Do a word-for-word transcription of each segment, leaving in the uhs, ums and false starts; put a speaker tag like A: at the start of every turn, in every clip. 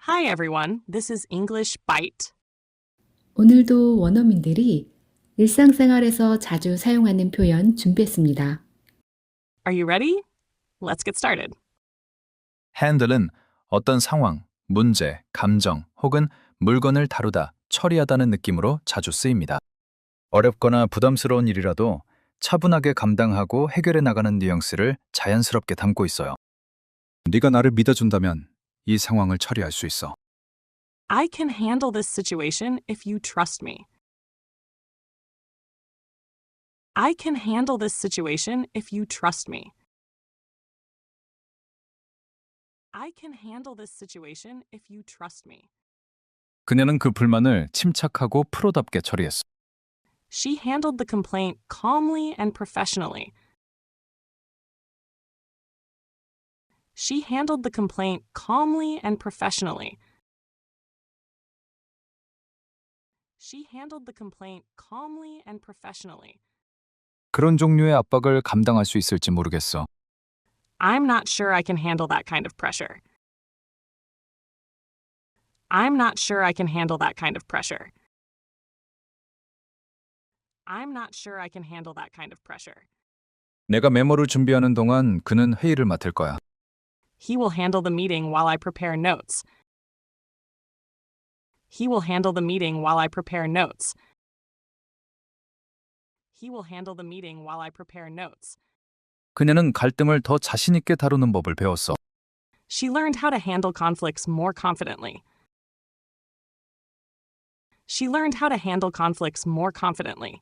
A: Hi everyone, this is English Bite.
B: 오늘도 원어민들이 일상생활에서 자주 사용하는 표현 준비했습니다.
A: Are you ready? Let's get started.
C: handle은 어떤 상황, 문제, 감정 혹은 물건을 다루다, 처리하다는 느낌으로 자주 쓰입니다. 어렵거나 부담스러운 일이라도 차분하게 감당하고 해결해 나가는 뉘앙스를 자연스럽게 담고 있어요. 네가 나를 믿어준다면 이 상황을 처리할 수 있어.
A: I can handle this situation if you trust me. I can handle this situation if you trust me. I can handle this situation if you trust me.
C: 그녀는 그 불만을 침착하고 프로답게 처리했어.
A: She handled the complaint calmly and professionally. She handled the complaint calmly and professionally. She handled the complaint calmly and professionally.
C: 그런 종류의 압박을 감당할 수 있을지 모르겠어.
A: I'm not sure I can handle that kind of pressure. I'm not sure I can handle that kind of pressure. I'm not sure I can handle that kind of pressure.
C: 내가 메모를 준비하는 동안 그는 회의를 맡을 거야.
A: He will handle the meeting while I prepare notes. He will handle the meeting while I prepare notes. He will handle the meeting while I prepare notes.
C: 그녀는 갈등을 더 자신 있게 다루는 법을 배웠어.
A: She learned how to handle conflicts more confidently. She learned how to handle conflicts more confidently.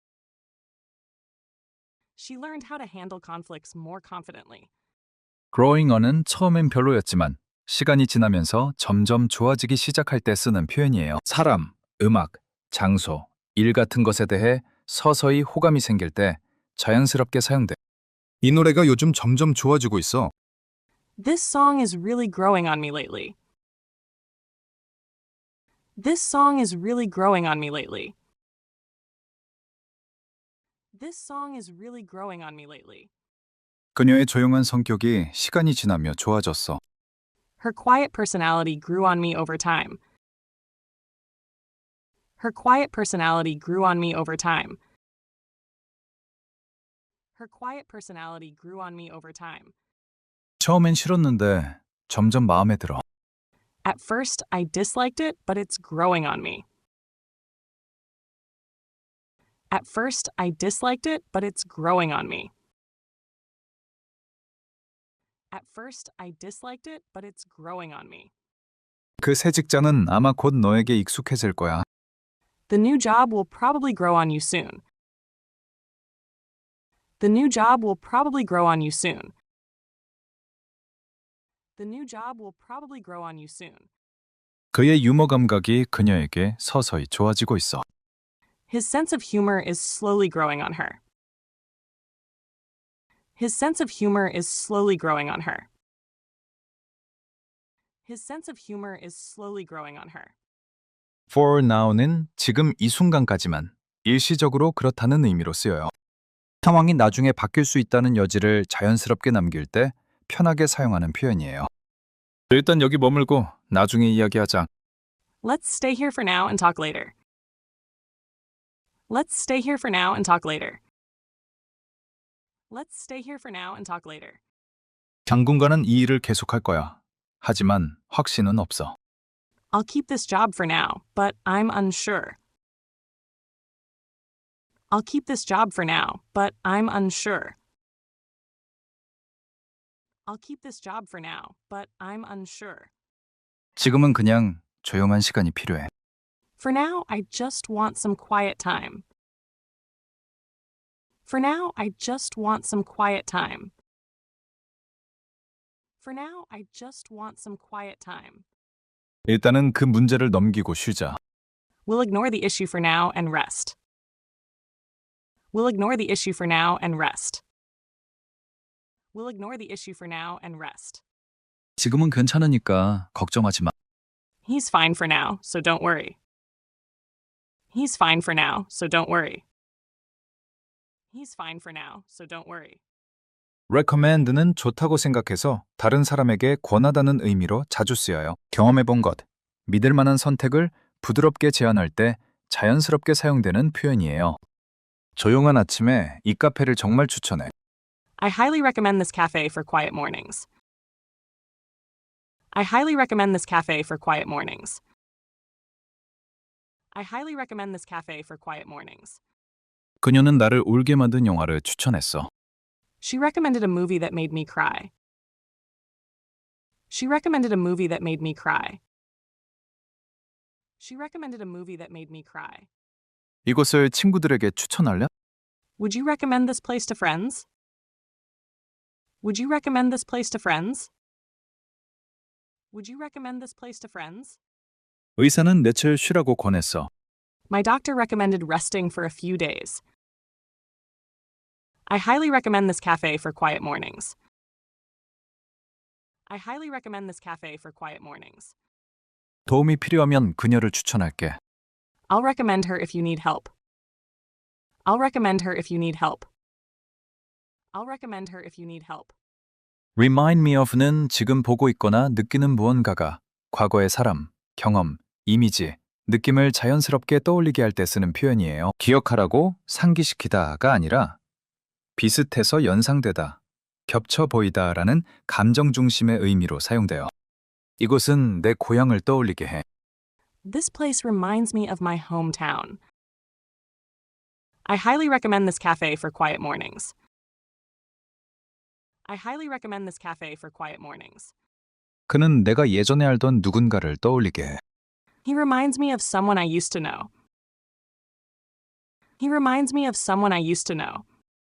A: She learned how to handle conflicts more confidently.
C: growing on은 처음엔 별로였지만 시간이 지나면서 점점 좋아지기 시작할 때 쓰는 표현이에요. 사람, 음악, 장소, 일 같은 것에 대해 서서히 호감이 생길 때 자연스럽게 사용돼. 이 노래가 요즘 점점 좋아지고 있어.
A: This song is really growing on me lately. This song is really growing on me lately. This song is really growing on me lately.
C: 그녀의 조용한 성격이 시간이 지나며 좋아졌어.
A: Her quiet personality grew on me over time. Her quiet personality grew on me over time. Her quiet personality grew on me over time.
C: 처음엔 싫었는데 점점 마음에 들어.
A: At first, I disliked it, but it's growing on me. At first, I disliked it, but it's growing on me. At first, I disliked it, but it's growing on me.
C: 그 새 직장은 아마 곧 너에게 익숙해질 거야.
A: The new job will probably grow on you soon. The new job will probably grow on you soon. The new job will probably grow on you soon.
C: 그의 유머 감각이 그녀에게 서서히 좋아지고 있어.
A: His sense of humor is slowly growing on her. His sense of humor is slowly growing on her. His sense of humor is slowly growing on her.
C: for now는 지금 이 순간까지만, 일시적으로 그렇다는 의미로 쓰여요. 상황이 나중에 바뀔 수 있다는 여지를 자연스럽게 남길 때 편하게 사용하는 표현이에요. 일단 여기 머물고 나중에 이야기하자.
A: Let's stay here for now and talk later. Let's stay here for now and talk later. Let's stay here for now and talk later.
C: 당분간은 이 일을 계속할 거야. 하지만 확신은 없어.
A: I'll keep this job for now, but I'm unsure. I'll keep this job for now, but I'm unsure. I'll keep this job for now, but I'm unsure.
C: 지금은 그냥 조용한 시간이 필요해.
A: For now, I just want some quiet time. For now, I just want some quiet time. For now, I just want some quiet time.
C: 일단은 그 문제를 넘기고 쉬자.
A: We'll ignore the issue for now and rest. We'll ignore the issue for now and rest. We'll ignore the issue for now and rest.
C: 지금은 괜찮으니까 걱정하지 마.
A: He's fine for now, so don't worry. He's fine for now, so don't worry. He's fine for now, so don't worry.
C: recommend는 좋다고 생각해서 다른 사람에게 권하다는 의미로 자주 쓰여요. 경험해본 것, 믿을 만한 선택을 부드럽게 제안할 때 자연스럽게 사용되는 표현이에요. 조용한 아침에 이 카페를 정말 추천해.
A: I highly recommend this cafe for quiet mornings. I highly recommend this cafe for quiet mornings. I highly recommend this cafe for quiet mornings.
C: 그녀는 나를 울게 만든 영화를 추천했어.
A: She recommended a movie that made me cry. She recommended a movie that made me cry. She recommended a movie that made me cry.
C: 이곳을 친구들에게 추천할래?
A: Would you recommend this place to friends? Would you recommend this place to friends? Would you recommend this place to friends?
C: 의사는 며칠 쉬라고 권했어.
A: My doctor recommended resting for a few days. I highly recommend this cafe for quiet mornings. I highly recommend this cafe for quiet mornings.
C: 도움이 필요하면 그녀를 추천할게.
A: I'll recommend her if you need help. I'll recommend her if you need help. I'll recommend her if you need help.
C: Remind me of는 지금 보고 있거나 느끼는 무언가가 과거의 사람, 경험, 이미지, 느낌을 자연스럽게 떠올리게 할 때 쓰는 표현이에요. 기억하라고 상기시키다가 아니라 비슷해서 연상되다, 겹쳐 보이다라는 감정 중심의 의미로 사용돼요. 이곳은 내 고향을 떠올리게 해.
A: This place reminds me of my hometown. I highly recommend this cafe for quiet mornings. I highly recommend this cafe for quiet mornings.
C: 그는 내가 예전에 알던 누군가를 떠올리게 해.
A: He reminds me of someone I used to know. He reminds me of someone I used to know.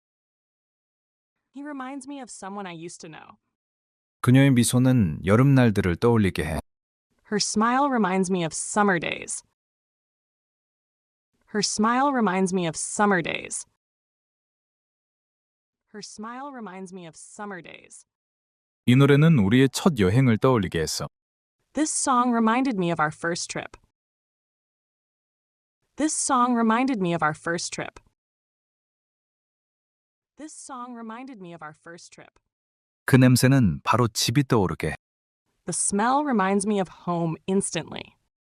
A: He reminds me of someone I used to know.
C: 그녀의 미소는 여름날들을 떠올리게 해.
A: Her smile reminds me of summer days. Her smile reminds me of summer days. Her smile reminds me of summer days.
C: 이 노래는 우리의 첫 여행을 떠올리게 했어.
A: This song reminded me of our first trip. This song reminded me of our first trip. This song reminded me of our first trip.
C: 그 냄새는 바로 집이 떠오르게 해.
A: The smell reminds me of home instantly.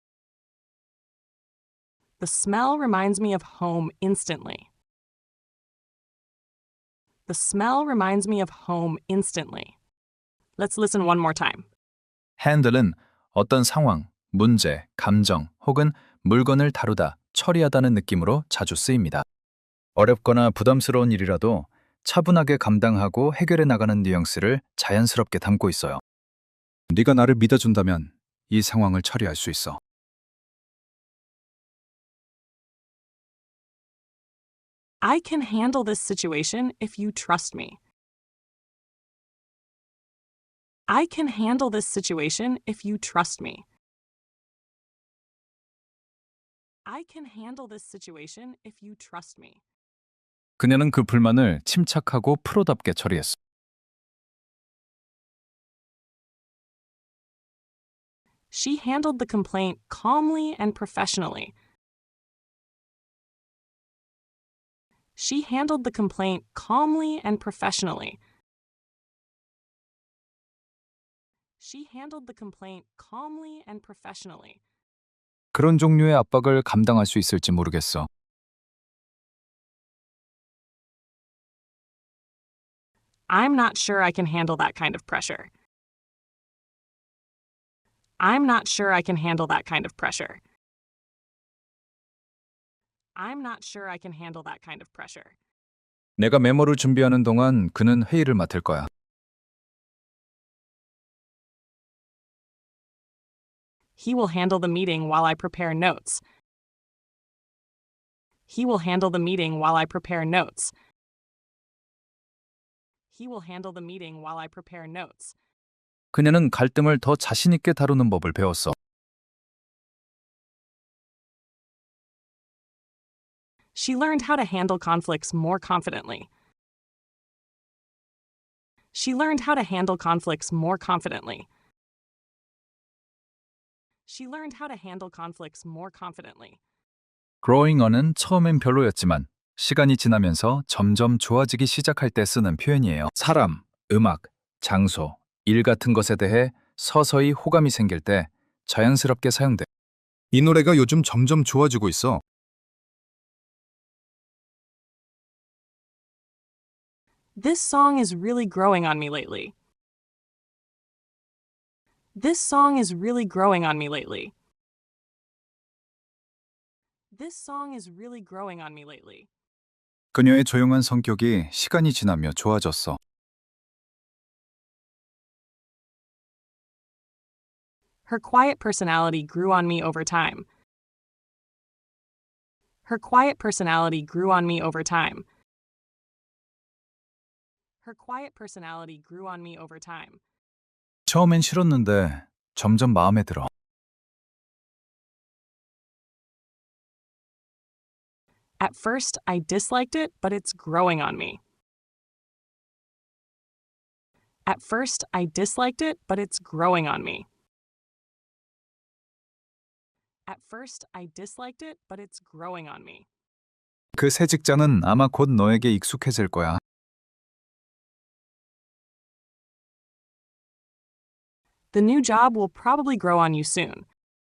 A: The smell reminds me of home instantly. The smell reminds me of home instantly. Let's listen one more time.
C: handle은 어떤 상황, 문제, 감정 혹은 물건을 다루다, 처리하다는 느낌으로 자주 쓰입니다. 어렵거나 부담스러운 일이라도 차분하게 감당하고 해결해 나가는 뉘앙스를 자연스럽게 담고 있어요. 네가 나를 믿어준다면 이 상황을 처리할 수 있어.
A: I can handle this situation if you trust me. I can handle this situation if you trust me. I can handle this situation if you trust me.
C: 그녀는 그 불만을 침착하고 프로답게 처리했어.
A: She handled the complaint calmly and professionally. She handled the complaint calmly and professionally. She handled the complaint calmly and professionally.
C: 그런 종류의 압박을 감당할 수 있을지 모르겠어.
A: I'm not sure I can handle that kind of pressure. I'm not sure I can handle that kind of pressure. I'm not sure I can handle that kind of pressure.
C: 내가 메모를 준비하는 동안 그는 회의를 맡을 거야.
A: He will handle the meeting while I prepare notes. He will handle the meeting while I prepare notes. He will handle the meeting while I prepare notes.
C: 그녀는 갈등을 더 자신 있게 다루는 법을 배웠어.
A: She learned how to handle conflicts more confidently. She learned how to handle conflicts more confidently. She learned how to handle conflicts more confidently.
C: Growing on은 처음엔 별로였지만 시간이 지나면서 점점 좋아지기 시작할 때 쓰는 표현이에요. 사람, 음악, 장소, 일 같은 것에 대해 서서히 호감이 생길 때 자연스럽게 사용돼. 이 노래가 요즘 점점 좋아지고 있어.
A: This song is really growing on me lately. This song is really growing on me lately. This song is really growing on me lately.
C: 그녀의 조용한 성격이 시간이 지나며 좋아졌어.
A: Her quiet personality grew on me over time. Her quiet personality grew on me over time. Her quiet personality grew on me over time.
C: 처음엔 싫었는데 점점 마음에 들어.
A: At first, I disliked it, but it's growing on me. At first, I disliked it, but it's growing on me. At first, I disliked it, but it's growing on me.
C: 그 새 직장은 아마 곧 너에게 익숙해질 거야.
A: The new job will probably grow on you soon.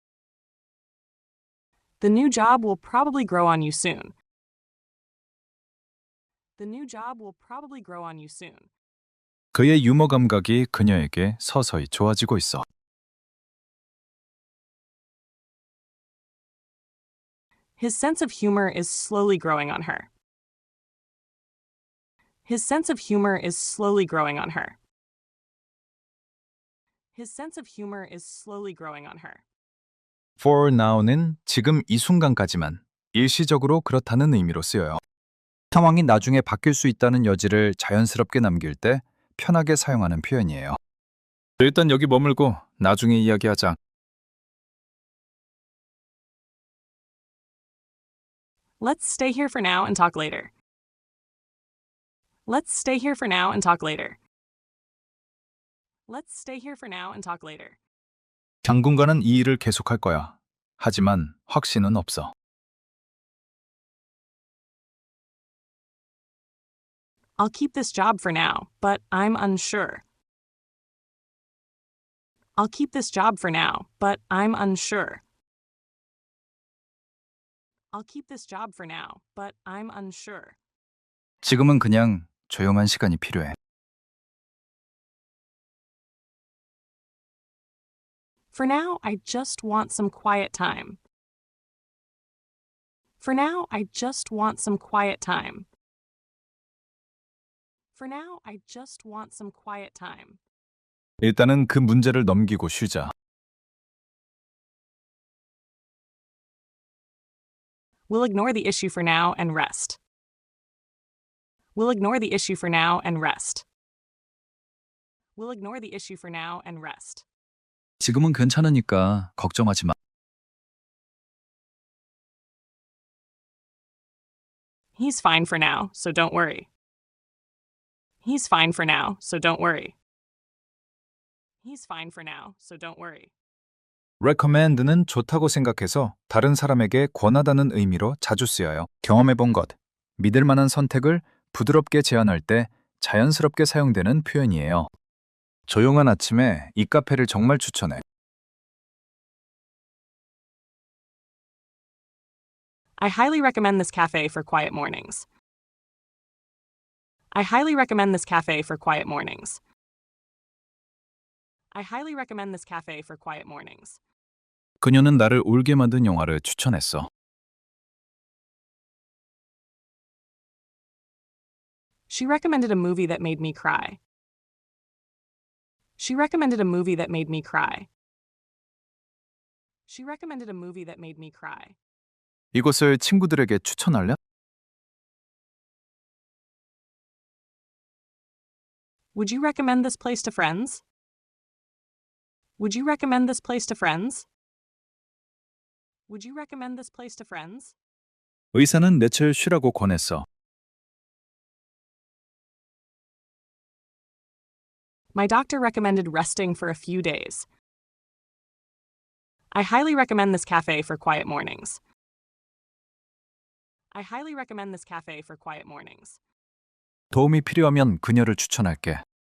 A: The new job will probably grow on you soon. The new job will probably grow on you soon.
C: 그의 유머 감각이 그녀에게 서서히 좋아지고 있어.
A: His sense of humor is slowly growing on her. His sense of humor is slowly growing on her. His sense of humor is slowly growing on her.
C: For now는 지금 이 순간까지만, 일시적으로 그렇다는 의미로 쓰여요. 상황이 나중에 바뀔 수 있다는 여지를 자연스럽게 남길 때 편하게 사용하는 표현이에요. 일단 여기 머물고 나중에 이야기하자.
A: Let's stay here for now and talk later. Let's stay here for now and talk later. Let's stay here for now and talk later.
C: 당분간은 이 일을 계속할 거야. 하지만 확신은 없어.
A: I'll keep this job for now, but I'm unsure. I'll keep this job for now, but I'm unsure. I'll keep this job for now, but I'm unsure.
C: 지금은 그냥 조용한 시간이 필요해.
A: For now, I just want some quiet time. For now, I just want some quiet time. For now, I just want some quiet time.
C: 일단은 그 문제를 넘기고 쉬자.
A: We'll ignore the issue for now and rest. We'll ignore the issue for now and rest. We'll ignore the issue for now and rest.
C: 지금은 괜찮으니까 걱정하지 마.
A: He's fine for now, so don't worry. He's fine for now, so don't worry. He's fine for now, so don't worry.
C: recommend는 좋다고 생각해서 다른 사람에게 권하다는 의미로 자주 쓰여요. 경험해본 것, 믿을 만한 선택을 부드럽게 제안할 때 자연스럽게 사용되는 표현이에요. 조용한 아침에 이 카페를 정말 추천해.
A: I highly recommend this cafe for quiet mornings. I highly recommend this cafe for quiet mornings. I highly recommend this cafe for quiet mornings.
C: 그녀는 나를 울게 만든 영화를 추천했어.
A: She recommended a movie that made me cry. She recommended a movie that made me cry. She recommended a movie that made me cry.
C: 이곳을 친구들에게 추천할래?
A: Would you recommend this place to friends? Would you recommend this place to friends? Would you recommend this place to friends?
C: 의사는 며칠 쉬라고 권했어.
A: My doctor recommended resting for a few days. I highly recommend this cafe for quiet mornings. I highly recommend this cafe for quiet mornings.
C: 도움이 필요하면 그녀를 추천할게.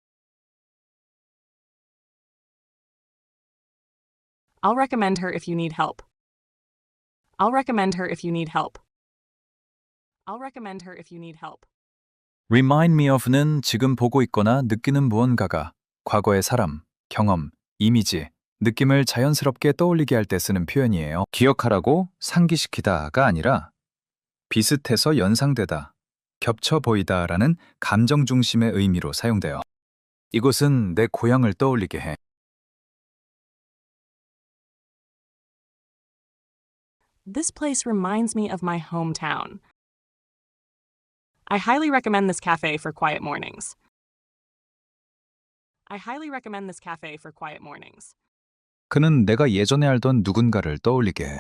A: I'll recommend her if you need help. I'll recommend her if you need help. I'll recommend her if you need help.
C: Remind me of는 지금 보고 있거나 느끼는 무언가가 과거의 사람, 경험, 이미지, 느낌을 자연스럽게 떠올리게 할 때 쓰는 표현이에요. 기억하라고 상기시키다가 아니라 비슷해서 연상되다, 겹쳐 보이다라는 감정 중심의 의미로 사용돼요. 이곳은 내 고향을 떠올리게 해.
A: This place reminds me of my hometown. I highly recommend this cafe for quiet mornings. I highly recommend this cafe for quiet mornings.
C: 그는 내가 예전에 알던 누군가를 떠올리게 해.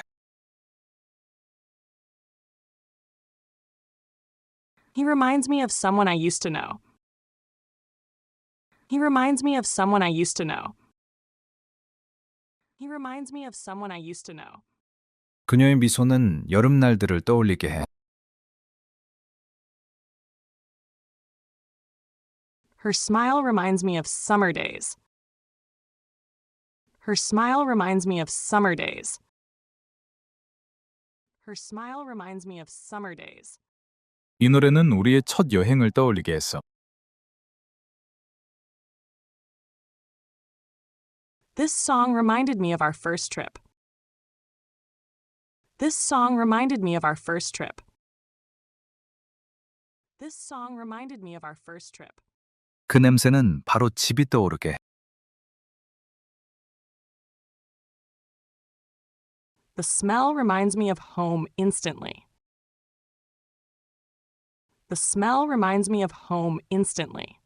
A: He reminds me of someone I used to know. He reminds me of someone I used to know. He reminds me of someone I used to know.
C: 그녀의 미소는 여름날들을 떠올리게 해.
A: Her smile reminds me of summer days. Her smile reminds me of summer days. Her smile reminds me of summer days.
C: 이 노래는 우리의 첫 여행을 떠올리게 했어.
A: This song reminded me of our first trip. This song reminded me of our first trip. This song reminded me of our first trip.
C: 그 냄새는 바로 집이 떠오르게 해.
A: The smell reminds me of home instantly. The smell reminds me of home instantly.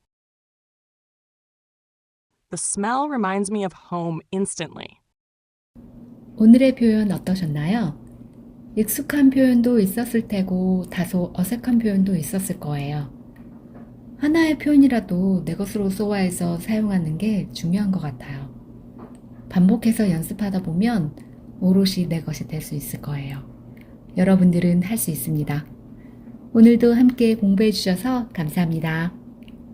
A: The smell reminds me of home instantly.
B: 오늘의 표현 어떠셨나요? 익숙한 표현도 있었을 테고 다소 어색한 표현도 있었을 거예요. 하나의 표현이라도 내 것으로 소화해서 사용하는 게 중요한 것 같아요. 반복해서 연습하다 보면 오롯이 내 것이 될 수 있을 거예요. 여러분들은 할 수 있습니다. 오늘도 함께 공부해 주셔서 감사합니다.